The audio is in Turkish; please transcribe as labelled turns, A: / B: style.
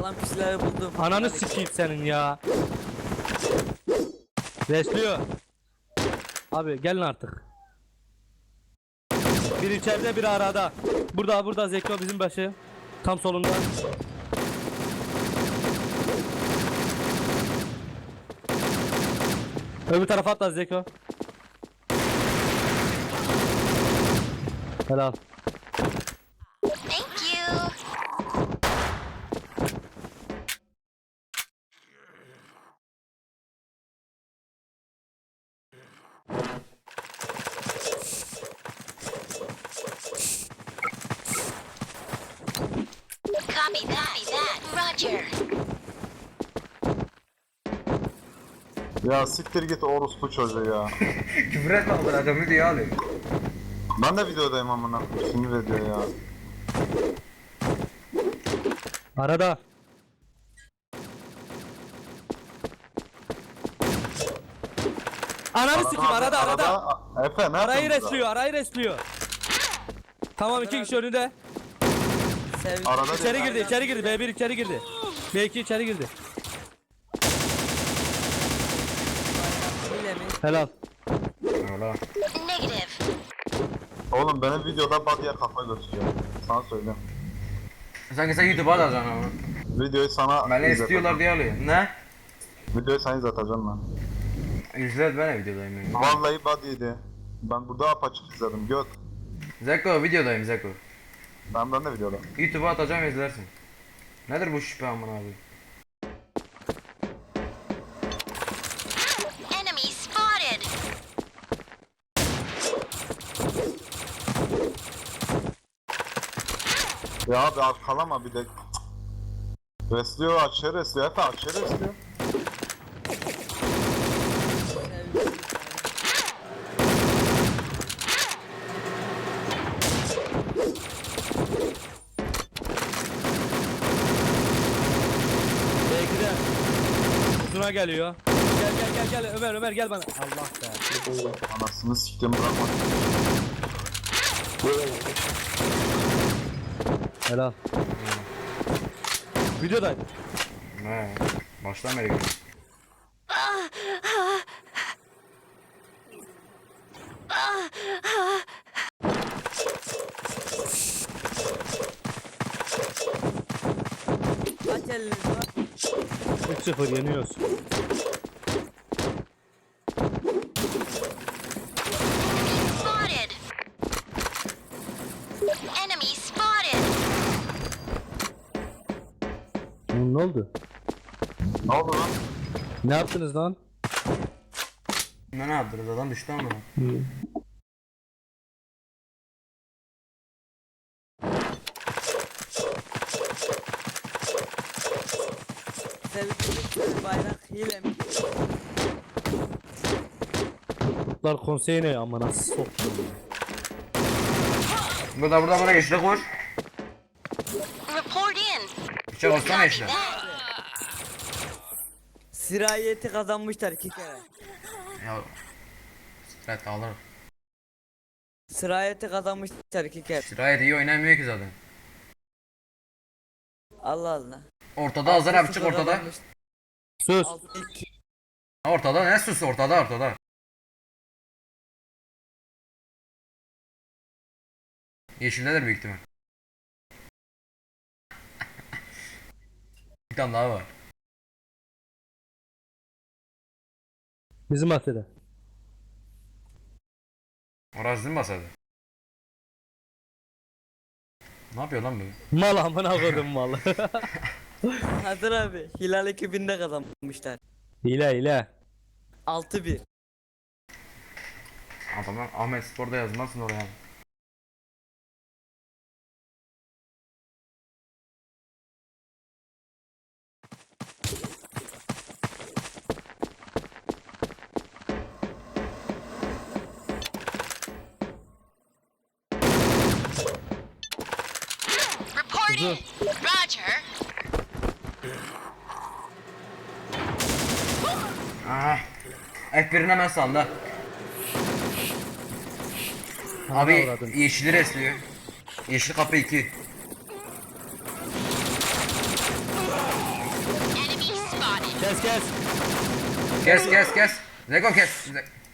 A: Sağlam kişileri buldum.
B: Ananı sikeyim senin ya. Resliyor. Abi gelin artık. Bir içeride bir arada. Burada Zeko bizim başı. Tam solunda. Öbür tarafa atla Zeko. Helal.
C: Thank you. Copy that. Roger.
D: Ya siktir git orospu çocuğu ya.
E: Küfür etme o kadar adamı diye alayım.
D: Ben de videodayım amına koyayım. Sinir ediyor ya.
B: Arada. Ananı sikeyim arada.
D: Efe ne
B: Arayı
D: yapıyorsun
B: resliyor, arayı resliyor. Tamam, iki kişi önünde.
A: Sevdim.
D: Arada
B: İçeri girdi. B1 içeri girdi. B2 içeri girdi.
A: Hile mi?
B: Helal.
E: Öyle.
C: Negative.
D: Oğlum benim videoda body'ye kafa gösteriyor. Sana söyleyeyim.
E: Sanki sen YouTube'a atacaksın ama.
D: Videoyu sana
E: Beni istiyorlar diye alayım. Ne?
D: Videoyu sana izleteceğim ben.
E: İzlet, ben de videodayım yani.
D: Vallahi body'ydi. Ben burada apaçık izledim. Göt.
E: Zeko videodayım Zeko.
D: Ben de videoda.
E: YouTube'a atacağım, izlersin. Nedir bu şüphe aman abi?
C: Enemy spotted.
D: Ya abi arkalama bir de. Resliyor açıyor resliyor. Efe açıyor resliyor.
B: B2'de. Uzuna geliyor. Gel Ömer gel bana. Allah be.
D: Anasını siktim bırakma.
B: Helal. Videodayım.
E: Ne? Baştan beri gidiyor.
A: Kaç eliniz var?
B: 3-0 yeniyoruz.
C: Spotted. Enemy spotted.
B: Ne oldu?
D: Ne oldu lan?
B: Ne yaptınız lan?
E: Ne yaptınız, adam düştü ama.
A: Sevdim. Bayrak hile mi?
B: Kurtlar konseyi ne ama nasıl soktum.
E: Burada bana geçti, koş.
C: Report in.
E: İçe baksana
C: Copy
E: işte.
C: that.
A: Sirayeti kazanmışlar 2 kere.
E: Ya. Strat alır.
A: Sirayeti kazanmışlar 2 kere.
E: Şirayet iyi oynamıyor ki zaten.
A: Allah Allah.
E: Ortada Azar abi, çık
A: 6-0
E: ortada.
A: kazanmış.
B: Sus.
A: 6-2.
E: Ortada ne sus, ortada. Yeşildedir büyük ihtimal. Bir tane daha var.
B: Bizim bahçede.
E: Orası değil mi basardı? Ne yapıyor lan bu?
B: Mal amına koydum mal.
A: Hazır abi. Hilal ekibinde kazanmışlar.
B: hile.
A: 6-1.
E: Adamlar Ahmet Spor'da yazmazsın oraya.
C: Report in. Roger.
E: Ah. F1'in hemen sağında. Abi
B: avradın.
E: yeşili resliyor. Yeşil kapı 2.
C: spotted.
B: Kes kes.
E: Kes kes kes. Lego kes.